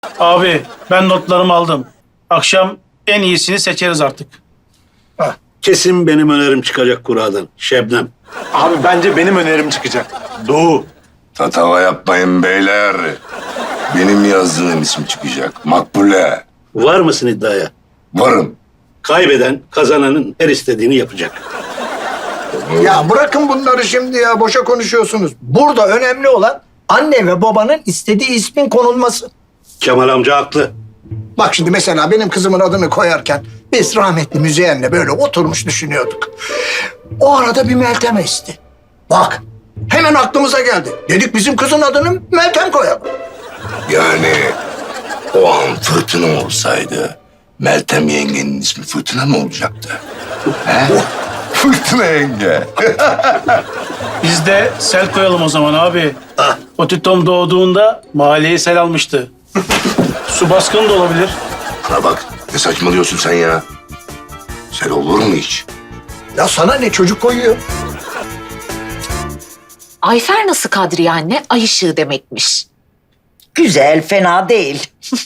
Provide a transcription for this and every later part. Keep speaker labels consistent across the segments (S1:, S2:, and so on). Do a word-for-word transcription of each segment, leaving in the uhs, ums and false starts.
S1: Abi ben notlarımı aldım. Akşam en iyisini seçeriz artık.
S2: Hah, kesin benim önerim çıkacak kuradan. Şebnem.
S3: Abi bence benim önerim çıkacak. Doğu.
S4: Tatava yapmayın beyler. Benim yazdığım isim çıkacak. Makbule.
S2: Var mısın iddiaya?
S4: Varım.
S2: Kaybeden kazananın her istediğini yapacak.
S5: Ya bırakın bunları şimdi ya. Boşa konuşuyorsunuz. Burada önemli olan anne ve babanın istediği ismin konulması.
S2: Kemal amca haklı.
S5: Bak şimdi mesela benim kızımın adını koyarken biz rahmetli Müzeyyen'le böyle oturmuş düşünüyorduk. O arada bir Meltem esti. Bak hemen aklımıza geldi. Dedik bizim kızın adını Meltem koyalım.
S4: Yani o an fırtına olsaydı Meltem yengenin ismi Fırtına mı olacaktı? He? Fırtına yenge.
S1: Biz de sel koyalım o zaman abi.
S2: Ah.
S1: Otitom doğduğunda mahalleyi sel almıştı. Su baskını da olabilir.
S4: Bana bak ne saçmalıyorsun sen ya? Sen olur mu hiç?
S5: Ya sana ne çocuk koyuyor?
S6: Ayfer nasıl Kadriye anne? Ay ışığı demekmiş.
S7: Güzel, fena değil.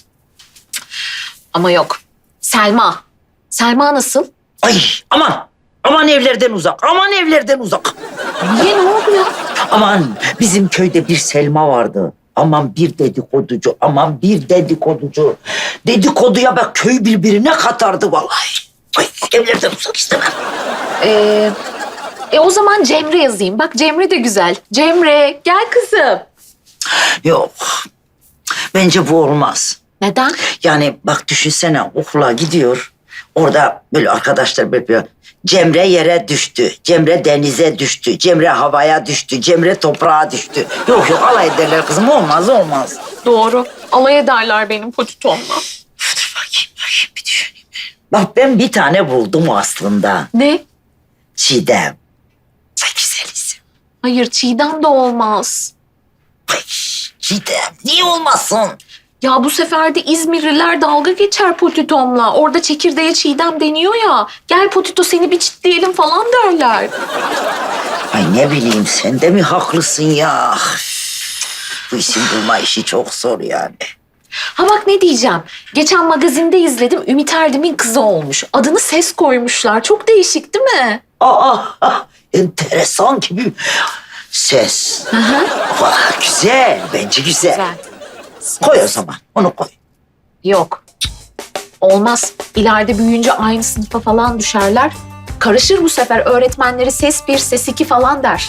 S6: Ama yok. Selma. Selma nasıl?
S7: Ay aman, aman evlerden uzak, aman evlerden uzak.
S6: Niye, ne oldu ya?
S7: Aman bizim köyde bir Selma vardı. Aman bir dedikoducu, aman bir dedikoducu. Dedikoduya bak köy birbirine katardı vallahi. Ay, evlerden uzak istemem.
S6: Ee, e o zaman Cemre yazayım. Bak Cemre de güzel. Cemre gel kızım.
S7: Yok, bence bu olmaz.
S6: Neden?
S7: Yani bak düşünsene okula gidiyor. Orada böyle arkadaşlar böyle yapıyor. Cemre yere düştü. Cemre denize düştü. Cemre havaya düştü. Cemre toprağa düştü. Yok yok alay ederler kızım. Olmaz olmaz.
S6: Doğru. Alay ederler benim Potitom'la.
S7: Dur bakayım bakayım bir düşüneyim. Bak ben bir tane buldum aslında.
S6: Ne?
S7: Çiğdem. Ay güzel isim.
S6: Hayır Çiğdem de olmaz.
S7: Ay Çiğdem niye olmasın?
S6: Ya bu sefer de İzmirliler dalga geçer Potitom'la. Orada çekirdeğe Çiğdem deniyor ya. Gel Potito seni bir çitleyelim falan derler.
S7: Ay ne bileyim sen de mi haklısın ya? Bu isim bulma işi çok zor yani.
S6: Ha bak ne diyeceğim. Geçen magazinde izledim. Ümit Erdem'in kızı olmuş. Adını Ses koymuşlar. Çok değişik değil mi?
S7: Aa, ah, enteresan gibi ses.
S6: Hı hı.
S7: Vah, güzel, bence güzel.
S6: Güzel.
S7: Koy o zaman, onu koy.
S6: Yok. Olmaz. İleride büyüyünce aynı sınıfa falan düşerler. Karışır bu sefer. Öğretmenleri ses bir, ses iki falan der.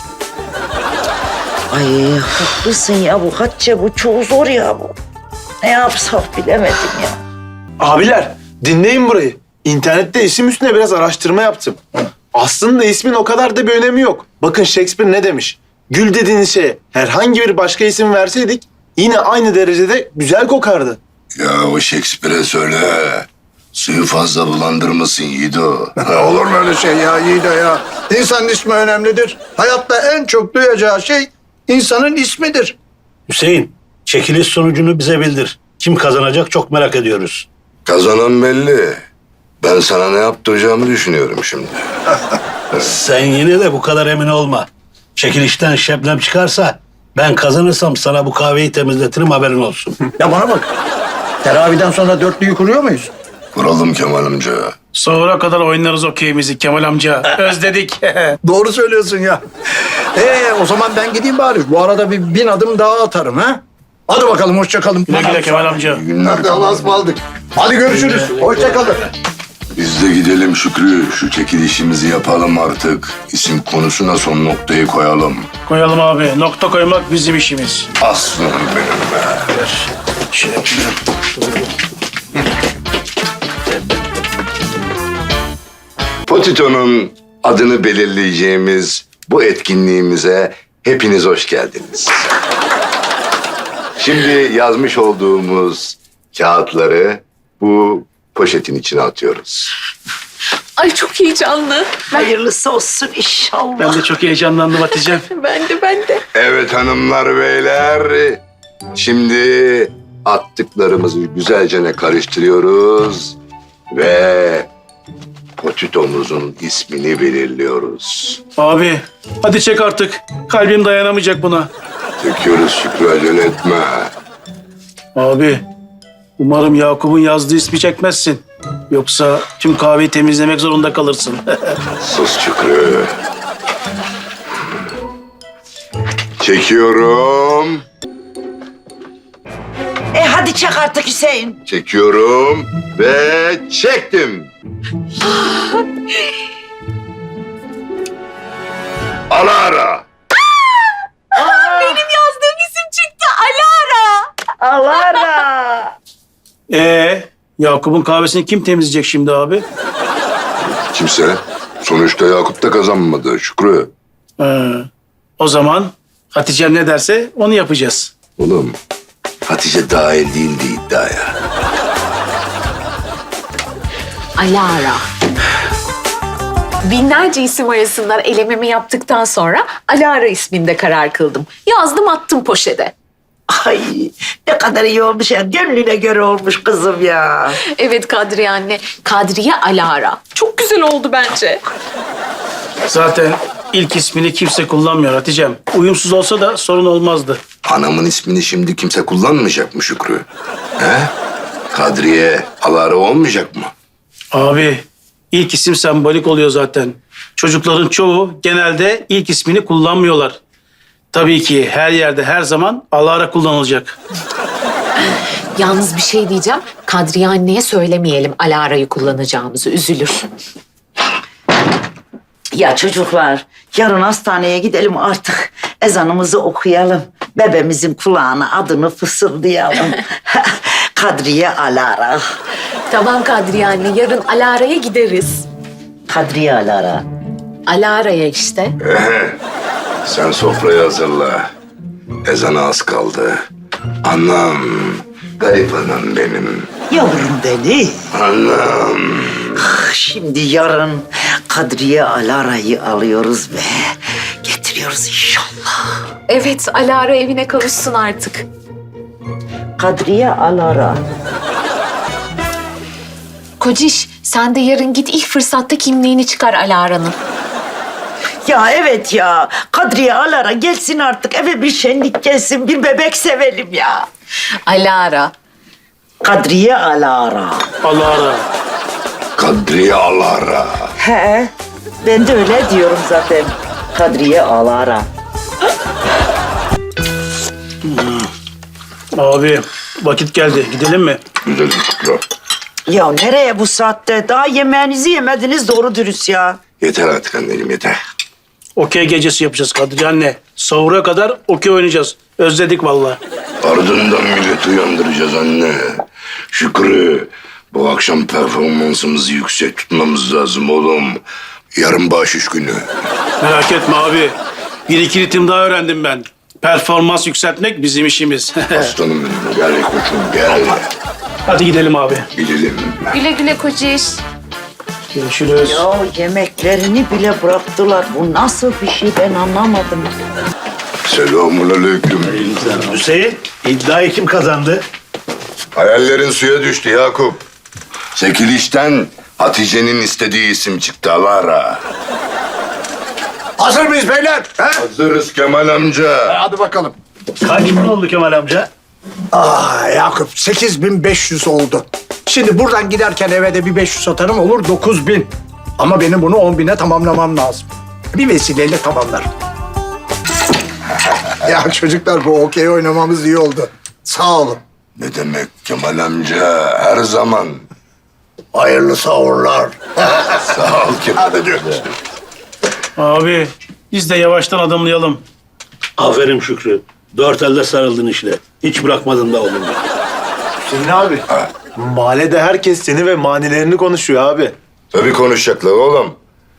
S7: Ay haklısın ya bu Hatice, bu çok zor ya bu. Ne yapsak bilemedim ya.
S3: Abiler dinleyin burayı. İnternette isim üstüne biraz araştırma yaptım. Aslında ismin o kadar da bir önemi yok. Bakın Shakespeare ne demiş? Gül dediğiniz şeye herhangi bir başka isim verseydik yine aynı derecede güzel kokardı.
S4: Ya o Shakespeare'e söyle. Suyu fazla bulandırmasın Yiğido.
S5: Olur mu öyle şey ya Yiğido ya? İnsanın ismi önemlidir. Hayatta en çok duyacağı şey insanın ismidir.
S2: Hüseyin, çekiliş sonucunu bize bildir. Kim kazanacak çok merak ediyoruz.
S4: Kazanan belli. Ben sana ne yaptıracağımı düşünüyorum şimdi.
S2: Sen yine de bu kadar emin olma. Çekilişten Şebnem çıkarsa ben kazanırsam sana bu kahveyi temizletirim, haberin olsun.
S5: Ya bana bak. Teraviden sonra dörtlüyü kuruyor muyuz?
S4: Kuralım Kemal amca.
S1: Sonra kadar oynarız okeyimizi Kemal amca. Özledik.
S5: Doğru söylüyorsun ya. Ee o zaman ben gideyim bari. Bu arada bir bin adım daha atarım ha. Hadi bakalım hoşça kalın.
S1: Güle güle Kemal amca.
S4: İyi günler.
S5: Hadi Allah'a ısmarladık. Hadi görüşürüz. Hoşça kalın.
S4: Biz de gidelim Şükrü. Şu çekilişimizi yapalım artık. İsim konusuna son noktayı koyalım.
S1: Koyalım abi. Nokta koymak bizim işimiz.
S4: Aslanım benim be.
S2: Şöyle.
S4: Potito'nun adını belirleyeceğimiz bu etkinliğimize hepiniz hoş geldiniz. Şimdi yazmış olduğumuz kağıtları bu poşetin içine atıyoruz.
S6: Ay çok heyecanlı.
S7: Hayırlısı olsun inşallah.
S1: Ben de çok heyecanlandım Hatice'm.
S6: Ben de ben de.
S4: Evet hanımlar beyler. Şimdi attıklarımızı güzelce karıştırıyoruz ve Potito'muzun ismini belirliyoruz.
S1: Abi hadi çek artık. Kalbim dayanamayacak buna.
S4: Çekiyoruz Şükrü, acele etme.
S1: Abi Umarım Yakup'un yazdığı ismi çekmezsin. Yoksa tüm kahveyi temizlemek zorunda kalırsın.
S4: Sus Şükrü. Çekiyorum.
S7: E hadi çak artık Hüseyin.
S4: Çekiyorum ve çektim. Alara.
S6: Benim yazdığım isim çıktı. Alara.
S7: Alara.
S1: Ee, Yakup'un kahvesini kim temizleyecek şimdi abi?
S4: Kimse. Sonuçta Yakup da kazanmadı Şükrü.
S1: Ee, o zaman Hatice'm ne derse onu yapacağız.
S4: Oğlum Hatice dahil değildi iddiaya.
S6: Alara. Binlerce isim arasından elememi yaptıktan sonra Alara isminde karar kıldım. Yazdım attım poşete.
S7: Ay ne kadar iyi olmuş ya. Gönlüne göre olmuş kızım ya.
S6: Evet Kadriye anne. Kadriye Alara. Çok güzel oldu bence.
S1: Zaten ilk ismini kimse kullanmıyor Hatice'm. Uyumsuz olsa da sorun olmazdı.
S4: Anamın ismini şimdi kimse kullanmayacak mı Şükrü? He? Kadriye, Alara olmayacak mı?
S1: Abi ilk isim sembolik oluyor zaten. Çocukların çoğu genelde ilk ismini kullanmıyorlar. Tabii ki her yerde her zaman Alara kullanılacak.
S6: Yalnız bir şey diyeceğim. Kadriye anneye söylemeyelim Alara'yı kullanacağımızı. Üzülür.
S7: Ya çocuklar yarın hastaneye gidelim artık. Ezanımızı okuyalım. Bebemizin kulağına adını fısıldayalım. Kadriye Alara.
S6: Tamam Kadriye anne. Yarın Alara'ya gideriz.
S7: Kadriye Alara.
S6: Alara'ya işte.
S4: Sen sofrayı hazırla. Ezana az kaldı. Anam, garip anam benim.
S7: Yavrum beni.
S4: Anam.
S7: Şimdi yarın Kadriye Alara'yı alıyoruz ve getiriyoruz inşallah.
S6: Evet Alara evine kavuşsun artık.
S7: Kadriye Alara.
S6: Kociş sen de yarın git ilk fırsatta kimliğini çıkar Alara'nın.
S7: Ya evet ya. Kadriye Alara gelsin artık eve bir şenlik gelsin. Bir bebek sevelim ya.
S6: Alara.
S7: Kadriye Alara.
S1: Alara.
S4: Kadriye Alara.
S7: He. Ben de öyle diyorum zaten. Kadriye Alara.
S1: Abi vakit geldi. Gidelim mi?
S4: Güzel Şükrü.
S7: Ya nereye bu saatte? Daha yemeğinizi yemediniz doğru dürüst ya.
S4: Yeter artık anneciğim yeter.
S1: Okey gecesi yapacağız Kadriye anne. Sahura kadar okey oynayacağız. Özledik vallahi.
S4: Ardından milleti uyandıracağız anne. Şükrü, bu akşam performansımızı yüksek tutmamız lazım oğlum. Yarın bahşiş günü.
S1: Merak etme abi. Bir iki ritim daha öğrendim ben. Performans yükseltmek bizim işimiz.
S4: Aslanım benim, gel koçum gel.
S1: Hadi gidelim abi.
S4: Gidelim.
S6: Güle güle Kociş.
S1: Görüşürüz.
S7: Ya yemeklerini bile bıraktılar. Bu nasıl bir şey ben anlamadım.
S4: Selamun aleyküm.
S2: Hüseyin, iddiayı kim kazandı?
S4: Hayallerin suya düştü Yakup. Çekilişten Hatice'nin istediği isim çıktı Alara.
S5: Hazır mıyız beyler? He?
S4: Hazırız Kemal amca.
S5: Hadi bakalım.
S2: Kaç bin oldu Kemal amca?
S5: Ah Yakup sekiz bin beş yüz oldu. Şimdi buradan giderken eve de bir beş yüz atarım olur dokuz bin. Ama benim bunu on bine tamamlamam lazım. Bir vesileyle tamamlarım. Ya çocuklar bu okey oynamamız iyi oldu. Sağ olun.
S4: Ne demek Kemal amca, her zaman.
S5: Hayırlı sahurlar.
S4: Sağ ol Kemal amca.
S1: Abi biz de yavaştan adımlayalım.
S2: Aferin Şükrü. Dört elde sarıldın işte. Hiç bırakmadın da oğlum.
S3: Hüseyin abi. Mahallede herkes seni ve manilerini konuşuyor abi.
S4: Tabii konuşacaklar oğlum.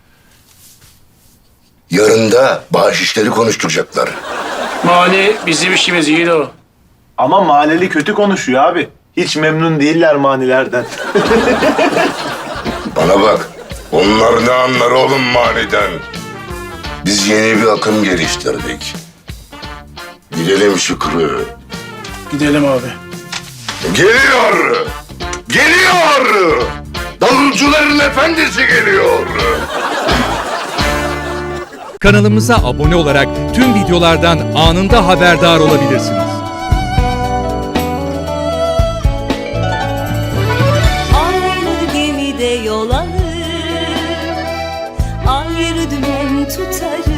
S4: Yarın da bahşişleri konuşturacaklar.
S1: Mani bizim işimiz iyi de o.
S3: Ama mahalleli kötü konuşuyor abi. Hiç memnun değiller manilerden.
S4: Bana bak, onlar ne anlar oğlum maniden? Biz yeni bir akım geliştirdik. Gidelim Şükrü.
S1: Gidelim abi.
S4: Geliyor! Geliyor! Davulcuların efendisi geliyor!
S8: Kanalımıza abone olarak tüm videolardan anında haberdar olabilirsiniz.
S9: bir dümen tutarım.